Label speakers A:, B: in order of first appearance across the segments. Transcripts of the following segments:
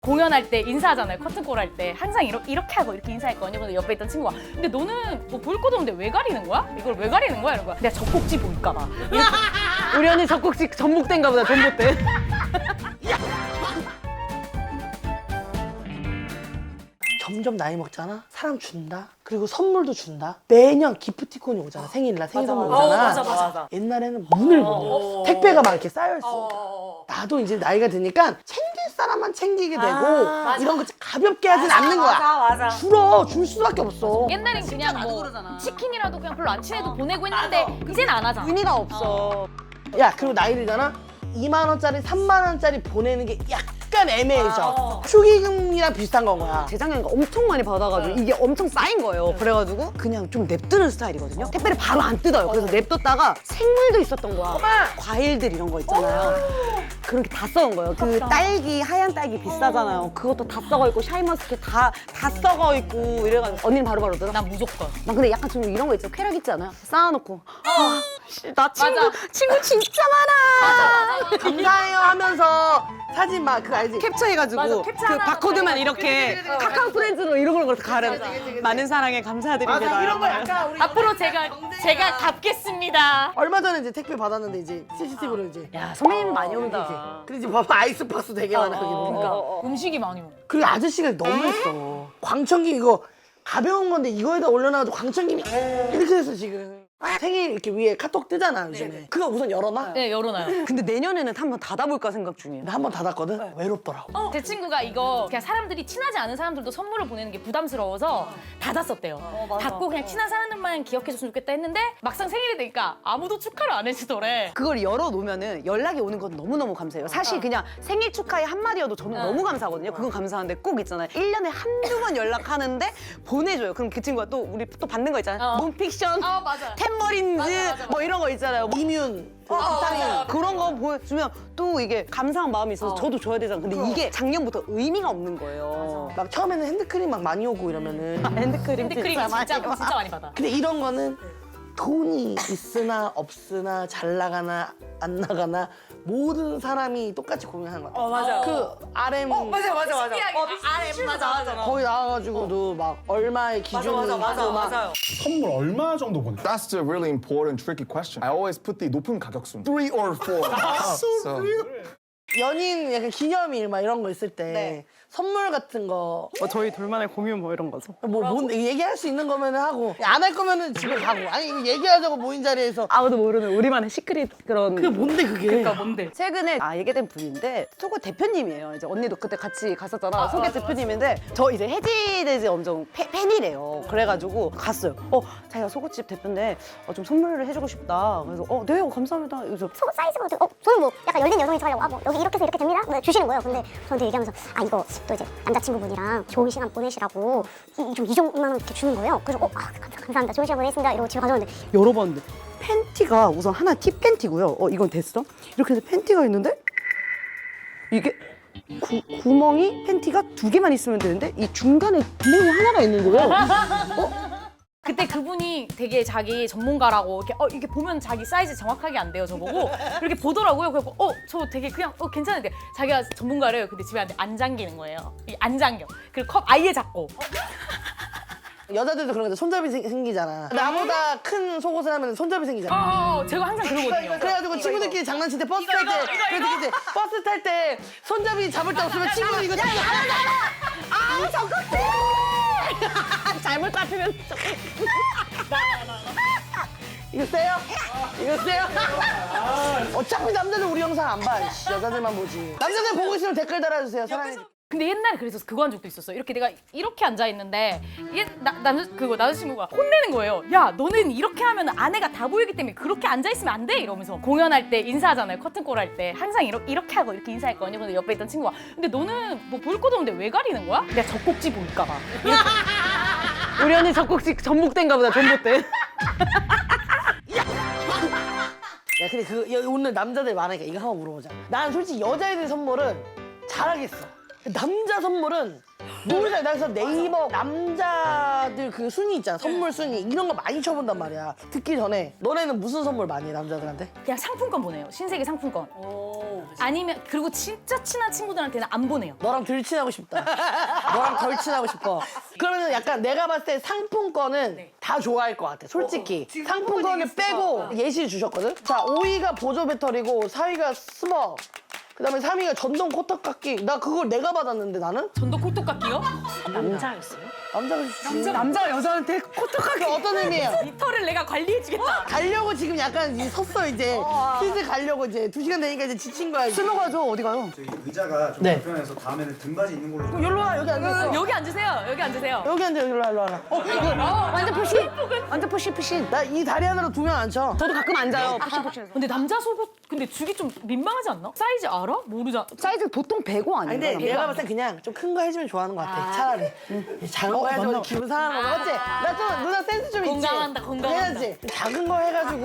A: 공연할 때 인사하잖아요. 커튼콜 할 때 항상 이렇게 하고 이렇게 인사했거든요. 근데 옆에 있던 친구가 근데 너는 뭐 볼 것도 없는데 왜 가리는 거야? 이걸 왜 가리는 거야? 이런 거야. 내가 젖꼭지 보일까 봐.
B: 우리 언니 젖꼭지 전복된가 보다, 전복대.
C: 점점 나이 먹잖아? 사람 준다? 그리고 선물도 준다? 매년 기프티콘이 오잖아. 생일날 생일 선물 오잖아.
A: 맞아.
C: 옛날에는 문을 못 열. 택배가 막 이렇게 쌓여있으니까. 나도 이제 나이가 드니까 챙길 사람만 챙기게 되고 이런 거 가볍게 하진 않는 거야.
B: 맞아.
C: 줄어. 줄 수밖에 없어.
A: 옛날엔 그냥 뭐 치킨이라도 그냥 별로 안 친해도 보내고 했는데 이제는 안 하잖아.
B: 의미가 없어.
C: 야, 그리고 나이 들잖아? 2만 원짜리, 3만 원짜리 보내는 게 약간 애매해져. 축의금이랑 비슷한 건 거야.
B: 재작년에 엄청 많이 받아가지고 이게 엄청 쌓인 거예요. 그래가지고 그냥 좀 냅두는 스타일이거든요. 택배를 바로 안 뜯어요. 그래서 냅뒀다가 생물도 있었던 거야. 과일들 이런 거 있잖아요. 그런 게 다 썩은 거예요. 그 딸기, 하얀 딸기 비싸잖아요. 그것도 다 썩어 있고 샤인머스켓 다 썩어 있고 이래가지고 언니는 바로바로 뜯어?
A: 난 무조건.
B: 난 근데 약간 좀 이런 거 있죠. 쾌락 있지 않아요? 쌓아놓고 나
A: 맞아.
B: 친구 진짜 많아.
C: 감사해요 하면서 사진 막 그거 알지?
B: 캡처해가지고
A: 맞아, 캡처
B: 그
A: 하나
B: 바코드만 이렇게 카카오 프렌즈로 이런 걸 가려. 많은 사랑에 감사드립니다.
C: 맞아, 이런 거 약간 우리
A: 앞으로 제가 갚겠습니다.
C: 얼마 전에 이제 택배 받았는데 이제 CCTV로 이제
B: 야 선배님 많이 온다.
C: 그리고 이제 봐봐 아이스박스 되게 많아 거기 보니까
A: 음식이 많이 먹어.
C: 그리고 아저씨가 너무했어. 광천김 이거 가벼운 건데 이거에다 올려놔도 광천김이 이렇게 됐어 지금. 생일 이렇게 위에 카톡 뜨잖아 요즘에. 그거 우선 열어놔.
A: 네, 열어놔요.
B: 근데 내년에는 한번 닫아볼까 생각 중이에요.
C: 나 한 번 닫았거든. 외롭더라고.
A: 제 친구가 이거 그냥 사람들이 친하지 않은 사람들도 선물을 보내는 게 부담스러워서 닫았었대요. 닫고 그냥 친한 사람들만 기억해줬으면 좋겠다 했는데 막상 생일이 되니까 아무도 축하를 안 해주더래.
B: 그걸 열어놓으면은 연락이 오는 건 너무너무 감사해요. 사실 그냥 생일 축하의 한마디여도 저는 너무 감사하거든요. 그건 감사한데 꼭 있잖아요. 1년에 한두 번 연락하는데 보내줘요. 그럼 그 친구가 또 우리 또 받는 거 있잖아요. 논픽션,
A: 맞아.
B: 템머린즈
A: 맞아.
B: 뭐 이런 거 있잖아요.
C: 이뮨,
A: 맞아.
B: 그런 거 보여주면 또 이게 감사한 마음이 있어서 저도 줘야 되잖아요. 근데 이게 작년부터 의미가 없는 거예요.
C: 막 처음에는 핸드크림 막 많이 오고 이러면은
B: 핸드크림
A: 핸드크림 진짜 많이 받아.
C: 근데 이런 거는 돈이 있으나 없으나 잘 나가나 안 나가나 모든 사람이 똑같이 고민하는 거야.
B: 맞아.
C: 그 RM
B: 맞아.
A: 맞아.
C: 거기 나와가지고도 막 얼마의 기준이 있고 막
D: 선물 얼마 정도 보내?
E: That's the really important, tricky question. I always put the 높은 가격순. 3 or 4. So,
C: 연인 약간 기념일 막 이런 거 있을 때 선물 같은 거
B: 저희 둘만의 공유 뭐 이런 거죠.
C: 뭐 얘기할 수 있는 거면 하고 안 할 거면은 집에 가고 아니 이거 얘기하자고 모인 자리에서
B: 아무도 모르는 우리만의 시크릿 그런.
C: 그게 뭔데 그게
A: 그러니까 뭔데?
B: 최근에 얘기된 분인데 속옷 대표님이에요. 이제 언니도 그때 같이 갔었잖아. 속옷 대표님인데 저 이제 해지돼지 엄청 팬이래요. 그래가지고 갔어요. 자기가 속옷집 대표인데 좀 선물을 해주고 싶다. 그래서 네 감사합니다. 그래서
F: 속옷 사이즈가 어떻게 저는 뭐 약간 열린 여성이 하려고 뭐 여기 이렇게 해서 이렇게 됩니다. 뭐 주시는 거예요. 근데 저한테 얘기하면서 이거 또 이제 남자친구분이랑 좋은 시간 보내시라고 좀 2만 원 이렇게 주는 거예요. 그래서 감사합니다. 좋은 시간 보내겠습니다. 이러고 집에 가져왔는데
B: 열어봤는데 팬티가 우선 하나 티 팬티고요. 이건 됐어? 이렇게 해서 팬티가 있는데 이게 구멍이 팬티가 2개만 있으면 되는데 이 중간에 구멍이 하나가 있는 거예요.
A: 그때 그분이 되게 자기 전문가라고 이렇게 이게 보면 자기 사이즈 정확하게 안 돼요 저보고 이렇게 보더라고요. 그래서 저 되게 그냥 괜찮은데 자기가 전문가래요. 근데 집에 안 잠기는 거예요. 안 잠겨. 그리고 컵 아예 잡고.
C: 여자들도 그런 거죠. 손잡이 생기잖아. 나보다 큰 속옷을 하면 손잡이 생기잖아.
A: 제가 항상 그러거든요.
C: 그래가지고 친구들끼리 장난칠 때 버스 탈 때 그래서 이제 버스 탈 때 손잡이 잡을 데 없으면 친구들 이거
B: 잘못 잡히면
C: 이거 세요? 이거 세요? 어차피 남자들 우리 영상 안 봐. 여자들만 보지. 남자들 보고 있으면 댓글 달아주세요. 사랑해.
A: 근데 옛날에 그래서 그거 한 적도 있었어. 이렇게 내가 이렇게 앉아 있는데 남자친구가 혼내는 거예요. 야, 너는 이렇게 하면 아내가 다 보이기 때문에 그렇게 앉아 있으면 안 돼. 이러면서 공연할 때 인사하잖아요. 커튼콜 할 때 항상 이렇게 하고 이렇게 인사했거든요. 근데 옆에 있던 친구가 근데 너는 뭐 볼 것도 없는데 왜 가리는 거야? 내가 젖꼭지 보일까 봐.
B: 우리 언니 젖꼭지 전복된가 보다, 전복대.
C: 야 근데 오늘 남자들 많으니까 이거 한번 물어보자. 난 솔직히 여자애들 선물은 잘하겠어. 남자 선물은 너무 잘. 나 그래서 네이버 남자들 그 순위 있잖아. 선물 순위 이런 거 많이 쳐본단 말이야. 듣기 전에 너네는 무슨 선물 많이 해 남자들한테?
A: 그냥 상품권 보내요. 신세계 상품권. 아니면 그리고 진짜 친한 친구들한테는 안 보내요.
C: 너랑 덜 친하고 싶다. 너랑 덜 친하고 싶어. 그러면 약간 내가 봤을 때 상품권은 다 좋아할 것 같아. 솔직히. 상품권을 빼고 예시 주셨거든? 자, 5위가 보조 배터리고 4위가 스벅. 그다음에 3위가 전동 코터깎기. 나 그걸 내가 받았는데 나는?
A: 전도 콜톱깎이요?
B: 남자였어요?
C: 남자가 주지.
B: 남자가 여자한테 코떡하게
C: 그게 어떤 의미예요?
A: 이 털을 내가 관리해주겠다.
C: 가려고 지금 약간 이제 섰어 이제. 슬슬 가려고 이제 2시간 되니까 이제 지친 거야.
B: 술 먹어야죠. 어디 가요?
G: 저기 의자가 좀
C: 네.
G: 불편해서 다음에는 등받이 있는 걸로 좀.
C: 여기로 와, 여기 앉아.
A: 여기 앉으세요. 여기 앉으세요.
C: 여기 앉아, 여기로 와, 일로 와.
B: 완전 푸시. 완전 푸시.
C: 나 이 다리 하나로 2명 앉혀.
B: 저도 가끔 앉아요. 푸시.
A: 근데 남자 속옷 근데 주기 좀 민망하지 않나? 사이즈 알아? 모르자.
B: 사이즈 보통 105
C: 아니,
B: 아닌가요?
C: 근데 내가 봤을 때 그냥 좀 큰 거 해주면 좋아하는 것 같아. 차라리. 작은 거 해줘. 기분 상하는 거 맞지? 나 좀 누나 센스 좀 있지?
A: 건강한다, 건강한다.
C: 해야지. 작은 거 해가지고.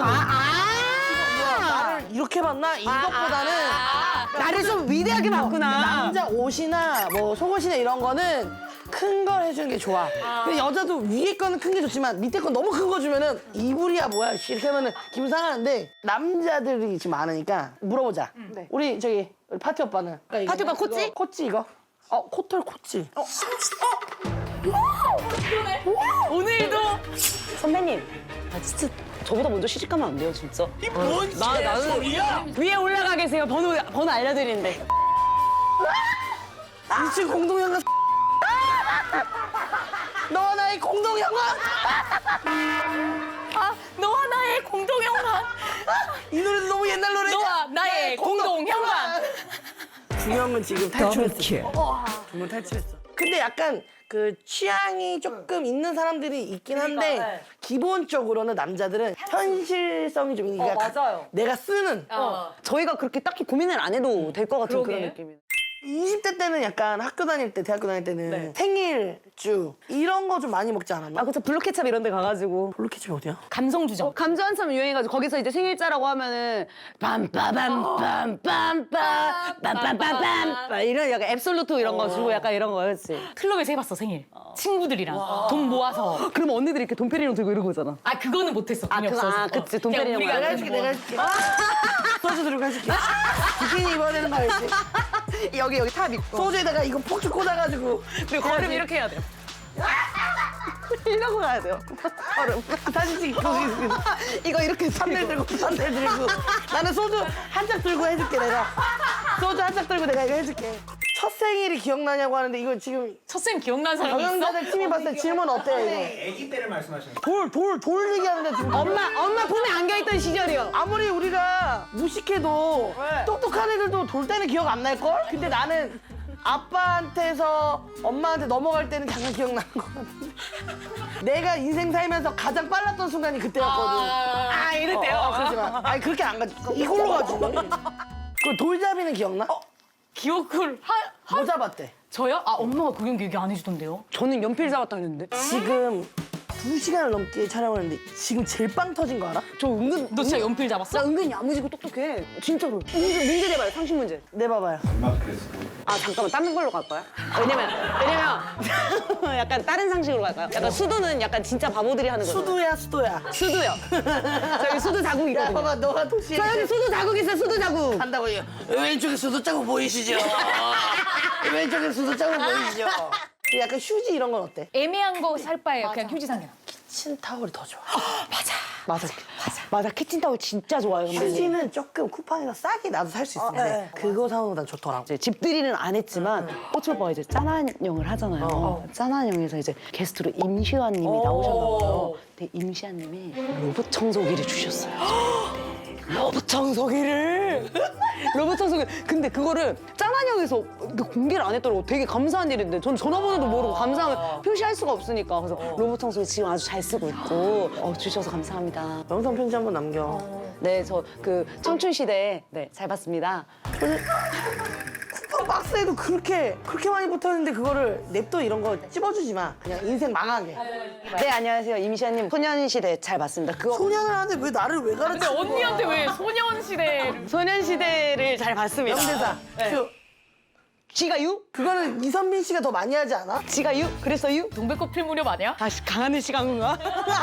C: 나를 이렇게 봤나? 이것보다는
B: 나를 좀 위대하게 봤구나.
C: 남자 옷이나 뭐 속옷이나 이런 거는 큰 걸 해주는 게 좋아. 근데 여자도 위에 거는 큰 게 좋지만 밑에 거 너무 큰 거 주면은 이불이야 뭐야 씨, 이렇게 하면은 기분 상하는데 남자들이 지금 많으니까 물어보자. 우리 저기 우리 파티 오빠는
B: 파티 오빠 코치?
C: 코치 이거? 코털 코치.
A: 오늘도
B: 선배님, 진짜 저보다 먼저 시집 가면 안 돼요, 진짜.
C: 뭔
B: 나는 위에 올라가 계세요. 번호 알려드리는데.
C: 2층 공동영화. 너와 나의 공동영화.
A: 너와 나의 공동영화.
C: 이 노래도 너무 옛날 노래야.
A: 너와 나의 공동현관.
C: 중형은 지금 탈출했어. 중형 탈출했어. 근데 약간 그 취향이 조금 있는 사람들이 있긴 한데 기본적으로는 남자들은 현실성이 좀 있으니까
B: 맞아요.
C: 내가 쓰는
B: 저희가 그렇게 딱히 고민을 안 해도 될 것 같은 그런
A: 그러게.
B: 느낌이에요.
C: 20대 때는 약간 학교 다닐 때, 대학교 다닐 때는 생일주 이런 거 좀 많이 먹지 않았나?
B: 그쵸. 블루케찹 이런 데 가가지고.
C: 블루케첩이 어디야?
A: 감성 주정.
B: 감주 한참 유행해가지고 거기서 이제 생일자라고 하면은 빰빠밤빰빰빰빰빰빰빰 이런 약간 앱솔루트 이런 거 주고 약간 이런 거였지.
A: 클럽에서 해봤어 생일. 친구들이랑 돈 모아서.
B: 그럼 언니들이 이렇게 돈페리뇽 들고 이러고 오잖아.
A: 아 그거는 못했어. 돈이
B: 그거,
A: 없어서.
B: 그치, 돈페리뇽
A: 그냥 우리가
C: 내가 해줄게, 내가 해줄게. 소주 들고 해줄게. 비키니 입어야 되는 거 알지?
B: 여기 탑 있고.
C: 소주에다가 이거 폭주 꽂아가지고
B: 그리고 걸음 이렇게 해야 돼요. 이러고 가야 돼요. 걸음.
C: 사진 찍고
B: 이거 이렇게
C: 산들 들고 산들 들고 나는 소주 한 짝 들고 해줄게 내가 소주 한 짝 들고 내가 이거 해줄게 첫 생일이 기억나냐고 하는데 이거 지금
A: 첫 쌤 기억나는 사람이 있어?
C: 경영자들 팀이 봤을 때 질문 어때요 이거?
G: 아기 때를 말씀하시는
C: 돌 얘기하는데 지금
B: 엄마 품에 안겨있던 시절이요.
C: 아무리 우리가 무식해도 똑똑한 애들도 돌 때는 기억 안 날걸? 근데 나는 아빠한테서 엄마한테 넘어갈 때는 잠깐 기억나는 것 같은데 내가 인생 살면서 가장 빨랐던 순간이 그때였거든
B: 이럴 때요?
C: 그러지 마 아니 그렇게 안 가지 이걸로 가지 그 돌잡이는 기억나?
A: 기억을
C: 뭐 잡았대?
A: 저요? 아 엄마가 그 경기 얘기 안 해주던데요?
B: 저는 연필 잡았다 그랬는데.
C: 지금 2시간을 넘게 촬영을 했는데 지금 제일 빵 터진 거 알아?
B: 저 은근
A: 너 진짜 연필 잡았어?
B: 나 은근 야무지고 똑똑해. 진짜로. 문제 내봐요. 상식 문제.
C: 내봐봐요
G: 얼마 그랬어?
B: 아 잠깐만 다른 걸로 갈까요? 왜냐면 약간 다른 상식으로 갈까요? 약간 수두는 약간 진짜 바보들이 하는 거죠.
C: 수도야
B: 수두요. 저기 수두 자국
C: 야
B: 있거든요.
C: 봐봐 너가 도시에
B: 저 여기 수두 자국 있어요. 수두 자국.
C: 한다고요 왼쪽에 수도 자국 보이시죠? 왼쪽에 수도 자국 보이시죠? 약간 휴지 이런 건 어때?
A: 애매한 거 살 바에 그냥 휴지 상이나.
C: 키친타월이 더 좋아
B: 맞아. 키친타올 진짜 좋아요. 근데
C: 휴지는 조금 쿠팡에서 싸게 나도 살 수 있는데 그거 사오는 건 난 좋더라고
B: 이제 집들이는 안 했지만 호치 오빠가 이제 짠한영을 하잖아요. 짠한영에서 이제 게스트로 임시완님이 나오셨나봐요. 근데 임시완님이 로봇 청소기를 주셨어요. 로봇 청소기를 로봇 청소기. 근데 그거를 짠한영에서 공개를 안 했더라고. 되게 감사한 일인데 전 전화번호도 모르고 감사함을 표시할 수가 없으니까 그래서 로봇 청소기 지금 아주 잘 쓰고 있고 주셔서 감사합니다.
C: 영상 편지 한번 남겨
B: 네, 저 그 청춘 시대 잘 봤습니다.
C: 쿠팡 박스에도 그렇게 많이 붙어있는데 그거를 냅둬 이런 거 찝어주지 마 그냥 인생 망하게
B: 네, 안녕하세요. 임시완님. 소년시대 잘 봤습니다. 그거
C: 소년을 하는데 왜 나를 왜
A: 근데
C: 가르쳐
A: 언니한테 왜 소년시대
B: 소년시대를 잘 봤습니다.
C: 명대사 큐
B: 지가 유?
C: 그거는 이선빈 씨가 더 많이 하지 않아?
B: 지가 유? 그래서 유?
A: 동백꽃 필 무렵 아니야?
B: 아, 강하늘 씨가 한 건가?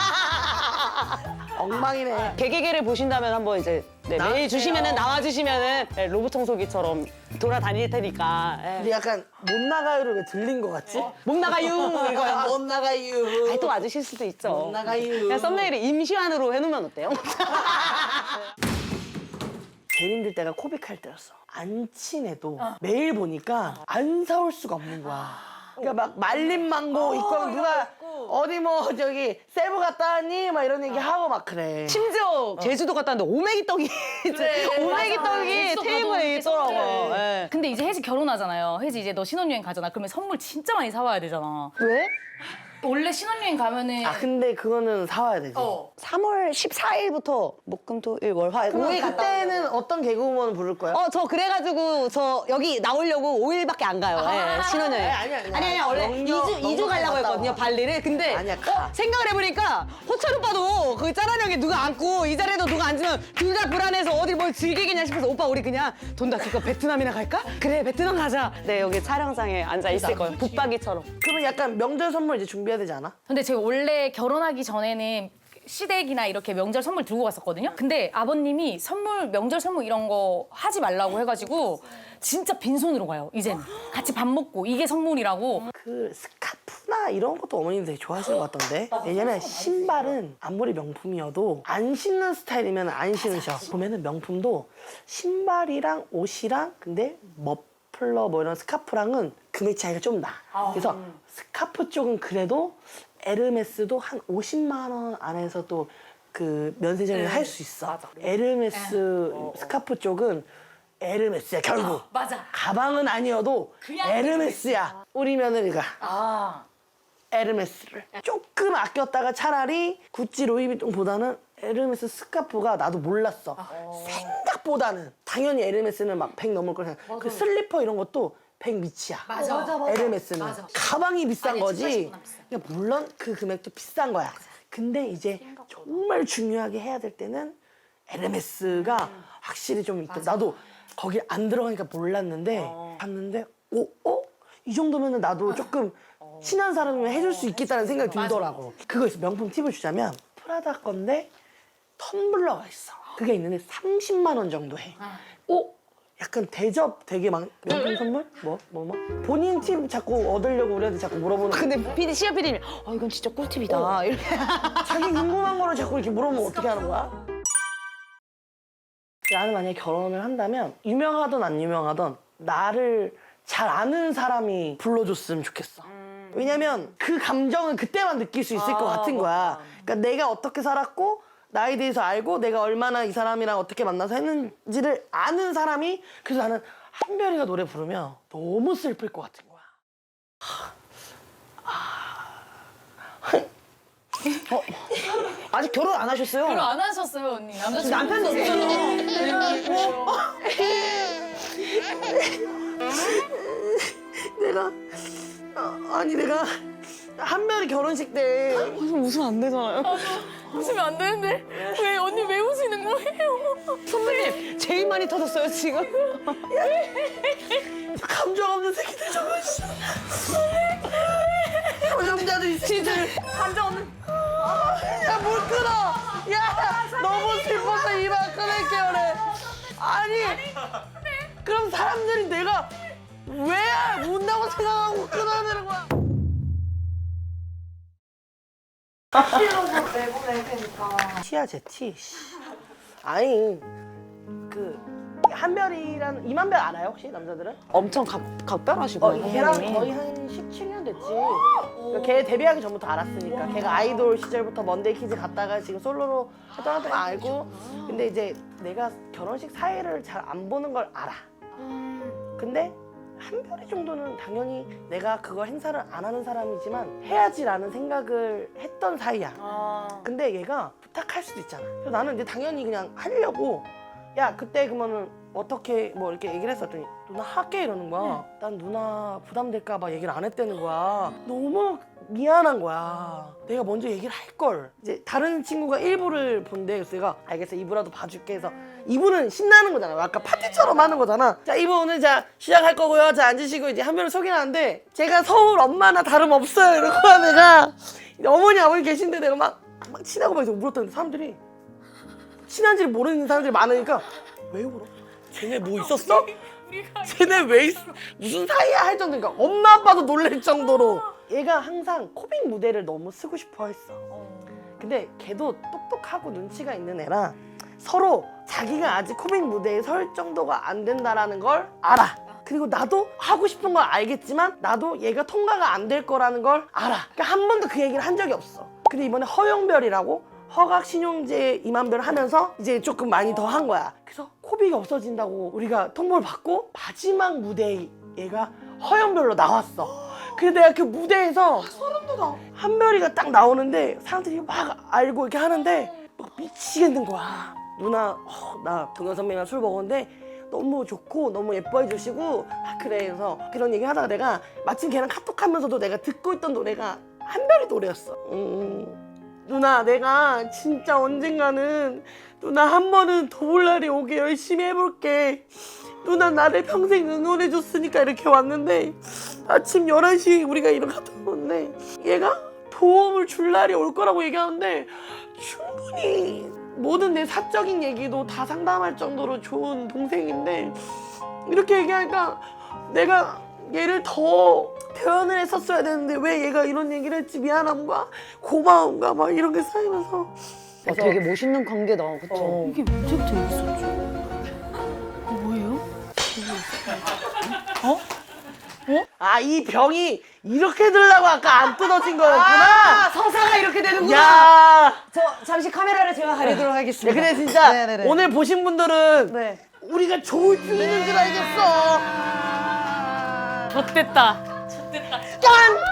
C: 엉망이네.
B: 개개개를 보신다면 한번 이제 메일 주시면은 나와주시면은 로봇 청소기처럼 돌아다닐 테니까.
C: 근데 약간 못 나가요를 왜 들린 것 같지?
B: 목 나가유 이거야.
C: 못 나가요.
B: 아니, 또 와주실 수도 있죠.
C: 못 나가요.
B: 그냥 썸네일을 임시완으로 해놓으면 어때요?
C: 제일 힘들 때가 코빅할 때였어. 안 친해도 매일 보니까 안 사올 수가 없는 거야. 그러니까 막 말린 망고 있고 하면 누가 어디 뭐 저기 세부 갔다 왔니? 막 이런 얘기 하고 막 그래.
B: 심지어 제주도 갔다 왔는데 오메기 떡이 오메기 떡이 테이블에 있더라고. 예.
A: 근데 이제 혜지 결혼하잖아요. 혜지 이제 너 신혼여행 가잖아. 그러면 선물 진짜 많이 사와야 되잖아.
B: 왜?
A: 원래 신혼여행 가면은
C: 아 근데 그거는 사와야 되지.
B: 3월 14일부터 목금토일 월화
C: 그럼
B: 5일 갔다
C: 그때는 어떤 개그우먼 부를 거야?
B: 저 그래가지고 저 여기 나오려고 5일밖에 안 가요. 예, 신혼여행.
C: 아니,
B: 원래
C: 영영
B: 2주 가려고
C: 갔다
B: 했거든요,
C: 와.
B: 발리를. 근데
C: 아니야, 가.
B: 생각을 해보니까 호철 오빠도 그 짠한 형에 누가 앉고 이 자리에도 누가 앉으면 둘 다 불안해서 어디 뭘 즐기겠냐 싶어서 오빠 우리 그냥 돈 다 줄까 베트남이나 갈까? 그래, 베트남 가자. 네, 여기 촬영장에 앉아 있을 거예요. 붙박이처럼.
C: 그러면 약간 명절 선물 이제 준비해야 되지 않아?
A: 근데 제가 원래 결혼하기 전에는 시댁이나 이렇게 명절 선물 들고 갔었거든요. 근데 아버님이 명절 선물 이런 거 하지 말라고 해가지고 진짜 빈손으로 가요, 이제는. 같이 밥 먹고 이게 선물이라고.
C: 그 스카프나 이런 것도 어머님들 되게 좋아하시는 것 같던데. 왜냐면 신발은 아무리 명품이어도 안 신는 스타일이면 안 신으셔. 보면은 명품도 신발이랑 옷이랑 근데 머플러 뭐 이런 스카프랑은 금액 차이가 좀 나. 그래서 스카프 쪽은 그래도 에르메스도 한 50만 원 안에서 또 그 면세점을 할 수 있어. 에르메스 스카프 쪽은 에르메스야 결국.
A: 맞아.
C: 가방은 아니어도 에르메스야. 우리 며느리가 에르메스를 조금 아꼈다가 차라리 구찌 루이비통보다는 에르메스 스카프가 나도 몰랐어. 생각보다는 당연히 에르메스는 막 100 넘을 걸 생각. 그 슬리퍼 이런 것도 100 밑이야.
A: 맞아.
C: 에르메스는 가방이 비싼
A: 아니야,
C: 거지.
A: 70만 원 비싸.
C: 그러니까 물론 그 금액도 비싼 거야. 근데 이제 정말 중요하게 해야 될 때는 에르메스가 확실히 좀 있다. 나도 거기 안 들어가니까 몰랐는데 봤는데 이 정도면은 나도 조금 친한 사람이면 해줄 수 있겠다는 생각이 들더라고. 그거 있어. 명품 팁을 주자면 프라다 건데 텀블러가 있어. 그게 있는데 30만 원 정도 해. 약간 대접 되게 막 명품 선물? 뭐? 본인 팁 자꾸 얻으려고 우리한테 자꾸 물어보는.
B: 근데 PD, 시아 PD님이 이건 진짜 꿀팁이다. 이렇게.
C: 자기 궁금한 거를 자꾸 이렇게 물어보면 어떻게 하는 거야? 나는 만약에 결혼을 한다면 유명하든 안 유명하든 나를 잘 아는 사람이 불러줬으면 좋겠어. 왜냐면 그 감정은 그때만 느낄 수 있을 것 같은 거야. 그러니까 내가 어떻게 살았고 나에 대해서 알고 내가 얼마나 이 사람이랑 어떻게 만나서 했는지를 아는 사람이. 그래서 나는 한별이가 노래 부르면 너무 슬플 것 같은 거야.
B: 아직 결혼 안 하셨어요?
A: 결혼 안 하셨어요, 언니.
B: 남편도 없잖아.
C: 내가 한별이 결혼식 때
B: 웃으면 안 되잖아요.
A: 웃으면 안 되는데 왜 언니 왜 웃으는 거예요?
B: 선배님, 제일 많이 터졌어요, 지금.
C: 감정 없는 새끼들 저거 있어. 남자들 이 새끼들
A: 감정 없는.
C: 야 뭘 끊어. 야 너무 슬퍼서 이만 끊을게 그래. 아니 그럼 사람들이 내가 왜 운다고 생각하고 끊어야 되는 거야. 티야 제 티. 아니 그 한별이라는 이만별 알아요 혹시 남자들은?
B: 엄청 각별하시고.
C: 걔랑 거의 한 17년 됐지. 그러니까 걔 데뷔하기 전부터 알았으니까. 걔가 아이돌 시절부터 먼데이 키즈 갔다가 지금 솔로로 활동하던 거 알고. 근데 이제 내가 결혼식 사회를 잘 안 보는 걸 알아. 근데 한별이 정도는 당연히 내가 그걸 행사를 안 하는 사람이지만 해야지라는 생각을 했던 사이야. 근데 얘가 부탁할 수도 있잖아. 그래서 나는 이제 당연히 그냥 하려고. 야 그때 그러면은 어떻게 뭐 이렇게 얘기를 했었더니 누나 할게 이러는 거야. 난 누나 부담될까 봐 얘기를 안 했다는 거야. 너무 미안한 거야. 내가 먼저 얘기를 할 걸. 이제 다른 친구가 1부를 본대. 그래서 내가 알겠어 2부라도 봐줄게 해서 2부는 신나는 거잖아. 아까 파티처럼 하는 거잖아. 자 2부 오늘 자 시작할 거고요. 자 앉으시고 이제 한 명을 소개하는데 제가 서울 엄마나 다름없어요. 이러고 내가 어머니 아버지 계신데 내가 막 친하고 막 물었더니 사람들이 친한지를 모르는 사람들이 많으니까 왜 울어? 쟤네 뭐 있었어? 쟤네 왜 무슨 사이야 할 정도니까 엄마 아빠도 놀랄 정도로 얘가 항상 코빅 무대를 너무 쓰고 싶어 했어. 근데 걔도 똑똑하고 눈치가 있는 애라 서로 자기가 아직 코믹 무대에 설 정도가 안 된다라는 걸 알아. 그리고 나도 하고 싶은 걸 알겠지만 나도 얘가 통과가 안 될 거라는 걸 알아. 그러니까 한 번도 그 얘기를 한 적이 없어. 근데 이번에 허영별이라고 허각 신용재 이만별 하면서 이제 조금 많이 더 한 거야. 그래서 코빅이 없어진다고 우리가 통보를 받고 마지막 무대에 얘가 허영별로 나왔어. 근데 내가 그 무대에서 소름 돋아. 한별이가 딱 나오는데 사람들이 막 알고 이렇게 하는데 막 미치겠는 거야. 누나 나 동현 선배랑 술 먹었는데 너무 좋고 너무 예뻐해 주시고 그래 해서 그런 얘기 하다가 내가 마침 걔랑 카톡하면서도 내가 듣고 있던 노래가 한별이 노래였어. 누나 내가 진짜 언젠가는 누나 한 번은 더 볼 날이 오게 열심히 해볼게. 누나 나를 평생 응원해줬으니까 이렇게 왔는데 아침 11시에 우리가 이렇게 갔다 오는데 얘가 도움을 줄 날이 올 거라고 얘기하는데 충분히 모든 내 사적인 얘기도 다 상담할 정도로 좋은 동생인데 이렇게 얘기하니까 내가 얘를 더 대연을 했었어야 되는데 왜 얘가 이런 얘기를 했지 미안함과 고마움과 막 이런 게 쌓이면서
B: 되게 멋있는 관계다. 그쵸?
A: 이게 언제부터 여기 있었죠? 뭐예요?
C: 아 이 병이 이렇게 들라고 아까 안 뜯어진 거였구나.
B: 서사가 이렇게 되는구나.
C: 야
B: 저 잠시 카메라를 제가 가리도록 하겠습니다.
C: 근데 진짜
B: 네네네.
C: 오늘 보신 분들은
B: 네.
C: 우리가 조울증 있는 줄 알겠어.
A: 좆됐다.
C: 짠!